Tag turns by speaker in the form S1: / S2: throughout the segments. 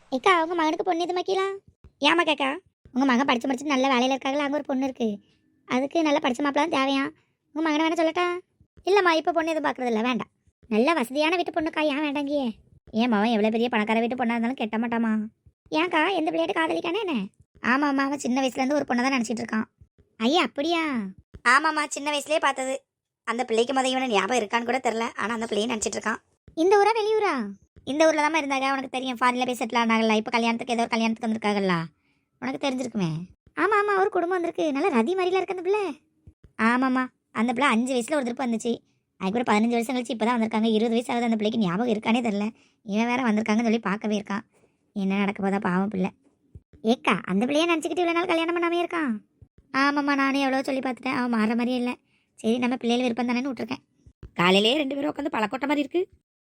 S1: ஏக்கா உங்க மகனுக்கு பொண்ணு எது மாக்கலாம்? ஏமா கேக்கா? உங்க மகன் படிச்சு நல்ல வேலையில இருக்காங்களா? அங்கே ஒரு பொண்ணு இருக்கு. அதுக்கு நல்ல படிச்ச மாப்பிள்ள தான் தேவையா? உங்க மகனை வேணா சொல்லட்டா? இல்லம்மா இப்போ பொண்ணு எதுவும் பார்க்கறது இல்லை, வேண்டாம். நல்ல வசதியான வீட்டு பொண்ணுக்கா, ஏன் வேண்டாங்கியே? ஏன் மகன் எவ்வளோ பெரிய பணக்கார வீட்டு பொண்ணா இருந்தாலும் கெட்ட மாட்டாமா? ஏன்க்கா எந்த பிள்ளையாட்டு காதலிக்கானே என்ன? ஆமாம்மா, அவன் சின்ன வயசுலேருந்து ஒரு பொண்ணை தான் நினச்சிட்டு இருக்கான். ஐயா அப்படியா? ஆமாம்மா, சின்ன வயசுலேயே பார்த்தது. அந்த பிள்ளைக்கு மொதல் இவனை ஞாபகம் இருக்கான்னு கூட தெரில, ஆனால் அந்த பிள்ளையை நினச்சிட்டு இருக்கான். இந்த ஊரா வெளியூரா? இந்த ஊரில் தான் இருந்தாங்க. உனக்கு தெரியும், ஃபாரினில் போய் செட்டில் ஆனாங்கல்ல. இப்போ கல்யாணத்துக்கு ஏதோ ஒரு கல்யாணத்துக்கு வந்திருக்காங்கல்ல, உனக்கு தெரிஞ்சிருக்குமே. ஆமாம் ஆமாம், ஒரு குடும்பம் வந்திருக்கு. நல்லா ரதி மாதிரிலாம் இருக்கு அந்த பிள்ளை. ஆமாம்மா, அந்த பிள்ளை 5 வயசில் ஒரு திருப்பி வந்துச்சு. அதுக்கப்புறம் 15 வருஷம் கழிச்சு இப்போ தான் வந்திருக்காங்க. 20 வயசு ஆகுது. அந்த பிள்ளைக்கு ஞாபகம் இருக்கானே தெரில. இவன் வேற வந்திருக்காங்கன்னு சொல்லி பார்க்கவே இருக்கான். என்ன நடக்க போதா பாவம் பிள்ளை. ஏக்கா அந்த பிள்ளையே நினச்சிக்கிட்டு இவ்வளோ நாள் கல்யாணம் பண்ணாமே இருக்கான். ஆமாம்மா, நானே எவ்வளோ சொல்லி பார்த்துட்டேன், அவன் மாற மாதிரியே இல்லை. சரி, நம்ம பிள்ளைகள் விருப்பம் தானேன்னு விட்டுருக்கேன். காலையிலேயே 2 பேரும் உட்காந்து பழக்கொட்ட மாதிரி இருக்கு.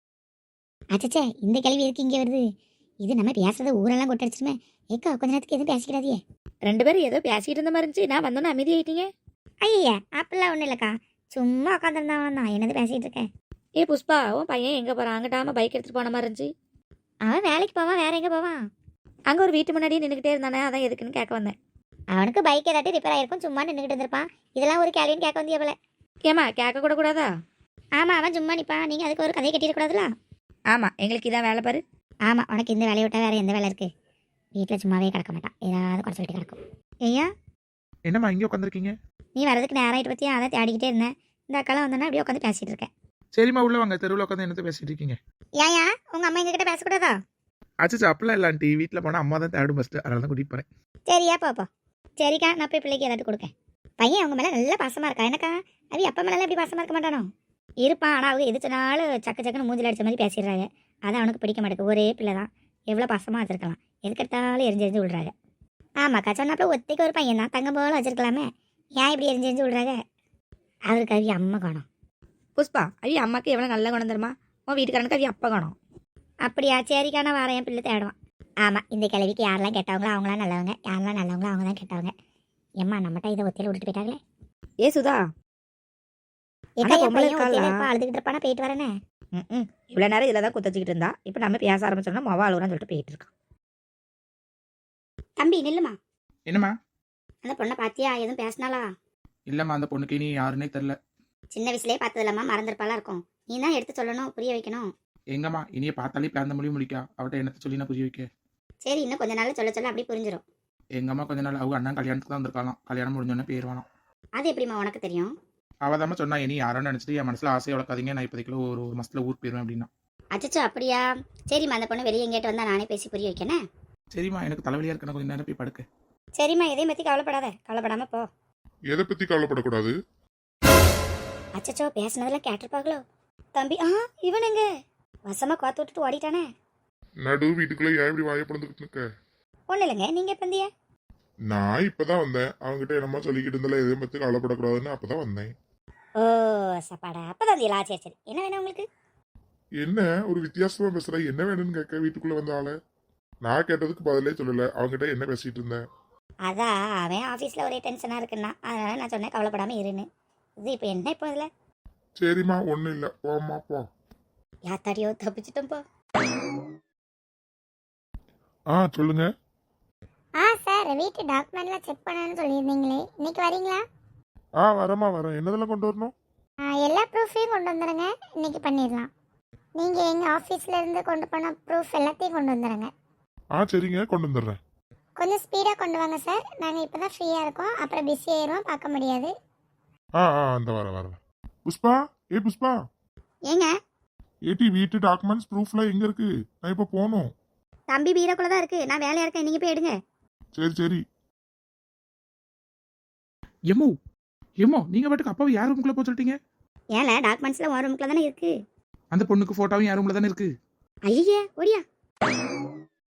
S1: அச்சச்சே, இந்த கேள்வி எதுக்கு இங்கே வருது? இது நம்ம பேசுறது ஊரெல்லாம் கொட்டடிச்சிருமே. ஏக்கா கொஞ்ச நேரத்துக்கு எதுவும் பேசிக்கிறாதியே. 2 பேரும் ஏதோ பேசிக்கிட்டு இருந்த மாதிரி இருந்துச்சு. நான் வந்தோன்னு அமைதி ஆயிட்டீங்க. ஐயா அப்படிலாம் ஒன்றும் இல்லைக்கா, சும்மா உட்காந்துருந்தான் தான். என்னது பேசிகிட்டு இருக்கேன்? ஏ புஷ்பா, உன் பையன் எங்கே போகிறான்? அங்கிட்டாம பைக் எடுத்துகிட்டு போன மாதிரி இருந்துச்சு. அவன் வேலைக்கு போவான், வேற எங்கே போவான்? அங்கே ஒரு வீட்டு முன்னாடியே நின்றுக்கிட்டே இருந்தானே, அதான் எதுக்குன்னு கேட்க வந்தேன். அவனுக்கு பைக் ஏதாட்டி ரிப்பேர் ஆகிருக்கும், சும்மா நின்றுக்கிட்டு இருந்திருப்பான். இதெல்லாம் ஒரு கேள்வின்னு கேட்க வந்தியா போல. ஏமா கேட்க கூட கூடாதா? ஆமாம், அவன் சும்மா நிற்பான். நீங்கள் அதுக்கு ஒரு கதையை கட்டிடக்கூடாதுல. ஆமாம், எங்களுக்கு இதான் வேலை பாரு. ஆமாம், உனக்கு இந்த வேலையை விட்டால் வேறு எந்த வேலை இருக்குது? வீட்டில் சும்மாவே கிடக்க மாட்டான், ஏதாவது குறை சொல்லிட்டு கிடக்கும். ஐயா
S2: என்னம்மா இங்கே உட்காந்துருக்கீங்க?
S1: நீ வரதுக்கு நேரம் ஆகிட்டு பற்றியா, அதை தேடிக்கிட்டே இருந்தேன். இந்த அக்காலாம் வந்தோன்னா அப்படியே உட்காந்து பேசிகிட்டு இருக்கேன்.
S2: சரிம்மா, உள்ள வாங்க. தெருவில் உட்காந்து என்னத்தை பேசிட்டு இருக்கீங்க?
S1: ஏயா உங்கள் அம்மா எங்ககிட்ட பேசக்கூடாதா?
S2: அச்சா, அப்பெல்லாம் இல்லை ஆண்டி. வீட்டில் போனால் அம்மா தான் தேடும் ஃபஸ்ட்டு, அதனால தான் கூட்டிகிட்டு போகிறேன்.
S1: சரியா பாப்பா. சரிக்கா, நான் போய் பிள்ளைக்கு ஏதாட்டு கொடுக்கேன். பையன் அவங்க மேலே நல்லா பாசமாக இருக்கா. எனக்கா அது அப்பா மேலே எப்படி பாசமாக இருக்க மாட்டானோ? இருப்பான், ஆனால் அவங்க எது சொன்னாலும் சக்கு சக்குன்னு மூஞ்சில் அடிச்ச மாதிரி பேசிடுறாங்க. அதான் அவனுக்கு பிடிக்க மாட்டேங்குது. ஒரே பிள்ளை தான், எவ்வளோ பாசமாக வச்சிருக்கலாம். எதுக்கெடுத்தாலும் எரிஞ்சு விடுறாங்க. ஆமாக்கா, சொன்னாப்புல ஒத்தைக்கு ஒரு பையன் தான், தங்கம் போல வச்சிருக்கலாமே. ஏன் இப்படி எரிஞ்சு விடுறாங்க? அவருக்கு அவி அம்மா காணும்.
S3: புஷ்பா, அவி அம்மாக்கு எவ்வளோ நல்ல குணம் தருமா? உன் வீட்டுக்காரனுக்கு அவி அப்பா காணும்.
S1: அப்படியா? சரிக்கான வாரம் என் பிள்ளை தேடுவான். ஆமாம், இந்த கிழவிக்கு யாரெல்லாம் கெட்டவங்களோ அவங்களாம் நல்லவங்க, யாரெல்லாம் நல்லவங்களோ அவங்க தான் கெட்டவங்க. ஏம்மா நம்மகிட்ட இதை ஒத்தையில் விட்டுட்டு போயிட்டாங்களே.
S3: ஏ சுதா,
S1: அழுதுகிட்டு இருப்பானா, போயிட்டு வரேனே.
S3: இவ்வளோ நேரம் இதில் தான் குத்தச்சிக்கிட்டு இருந்தா. இப்போ நம்ம பேச ஆரம்பிச்சோம்னா மொவா அழுகுறான்னு சொல்லிட்டு போயிட்டு இருக்கான்.
S1: தம்பி நில்லுமா.
S2: என்னம்மா?
S1: அந்த பொண்ணை பார்த்தியா? எதுவும் பேசினாலா?
S2: இல்லைம்மா, அந்த பொண்ணுக்கு நீ யாருன்னே தெரில.
S1: சின்ன வயசுலேயே பார்த்தது இல்லாமா, மறந்துருப்பாலாம் இருக்கும். நீ தான் எடுத்து சொல்லணும், புரிய வைக்கணும்.
S2: எங்கம்மா, இனியே பார்த்தாலே பிளான் மொழி முடிக்கா. அவட்ட என்னத்தை சொல்லி நான் புரிய வைக்க?
S1: சரி, இன்னும் கொஞ்ச நாள் சொல்ல சொல்ல அப்படி புரிஞ்சிடும்.
S2: எங்கம்மா கொஞ்ச நாள் அவங்க அண்ணன் கல்யாணத்துக்கு தான் வந்திருக்கலாம். கல்யாணம் முடிஞ்சோடனே போயிடுவானா.
S1: அது எப்படிமா உனக்கு தெரியும்?
S2: அவதாம சொன்னா, இனி யாரோன்னு நினச்சிட்டு என் மனசில் ஆசையை வளர்க்காதீங்க, நான் இப்போதைக்குள்ள ஒரு மாசத்துல ஊருக்கு போயிடுவேன் அப்படின்னா.
S1: அச்சச்சோ அப்படியா? சரிம்மா, அந்த பொண்ணு வெளியே எங்கேட்டு வந்தா நானே பேசி புரிய வைக்கணே.
S2: சரிம்மா, எனக்கு தலைவலியாக இருக்கு, நான் கொஞ்சம் நேரம் போய் படுக்க.
S1: சரிம்மா, எதையும் பற்றி கவலைப்படாத, கவலைப்படாம போ.
S4: எதை பத்தி கவலைப்படக்கூடாது?
S1: அச்சச்சோ, பேசினதெல்லாம் கேட்டிருப்பாங்களோ. தம்பி, இவன் எங்க வசமா கோத்து விட்டுட்டு ஓடிட்டானே.
S4: நடு வீட்டுக்குள்ள ஏன் இப்படி வாய பிறந்துக்கிட்டு இருக்க?
S1: ஒன்றும் இல்லைங்க, நீங்கள் எப்போ வந்தியா?
S4: நான் இப்பதான் வந்தேன். அவங்ககிட்ட என்னமா சொல்லிக்கிட்டு இருந்தால, எதை பத்தி கவலைப்படக்கூடாதுன்னு அப்பதான் வந்தேன்.
S1: ஓ சப்பாடா, அப்பதான் வந்தீங்களா? சரி சரி, என்ன வேணும் உங்களுக்கு?
S4: என்ன ஒரு வித்தியாசமா பேசுற? என்ன வேணும்னு கேட்க வீட்டுக்குள்ள வந்த ஆள. நான் கேட்டதுக்கு பதிலே சொல்லல. அவங்ககிட்ட என்ன பேசிட்டு இருந்தேன்?
S1: அதான் அவன் ஆஃபீஸில் ஒரே டென்ஷனாக இருக்குன்னா, அதனால நான் சொன்னேன் கவலைப்படாமல் இருன்னு. இது இப்போ என்ன இப்போ இதில்?
S4: சரிம்மா, ஒன்றும் இல்லை, போம்மா போ.
S1: யாத்தாடியோ, தப்பிச்சிட்டோம் போ.
S4: சொல்லுங்க.
S1: சார், வீட்டு டாக்குமெண்ட்லாம் செக் பண்ணணும்னு சொல்லியிருந்தீங்களே, இன்னைக்கு வரீங்களா?
S4: வரேன். என்னதெல்லாம் கொண்டு வரணும்?
S1: எல்லா ப்ரூஃபையும் கொண்டு வந்துடுங்க, இன்னைக்கு பண்ணிடலாம். நீங்கள் எங்கள் ஆஃபீஸில் இருந்து கொண்டு போன ப்ரூஃப் எல்லாத்தையும் கொண்டு வந்துடுங்க.
S4: சரிங்க, கொண்டு வந்துடுறேன்.
S1: கொஞ்சம் ஸ்பீடாக கொண்டு வாங்க சார், நாங்கள் இப்போ தான் ஃப்ரீயாக இருக்கோம், அப்புறம் பிஸி ஆயிடுவோம், பார்க்க முடியாது.
S4: அந்த வரேன். புஷ்பா, புஷ்பா.
S1: ஏங்க?
S4: ஏடி, வீட்டு டாக்குமெண்ட்ஸ் ப்ரூஃப்லாம் எங்க இருக்கு? நான் இப்போ போகணும்.
S1: தம்பி பீரோக்குள்ள தான் இருக்கு, நான் வேலையாக இருக்கேன், நீங்கள் போய் எடுங்க.
S4: சரி.
S2: எம்மோ நீங்க பாட்டுக்கு அப்பாவை யார் ரூமுக்குள்ள போக சொல்லிட்டீங்க?
S1: ஏல, டாக்குமெண்ட்ஸ்லாம் ஒரு ரூமுக்குள்ள தானே இருக்கு.
S2: அந்த பொண்ணுக்கு போட்டோவும் யார் ரூம்ல தானே இருக்கு.
S1: ஐயே ஓடியா.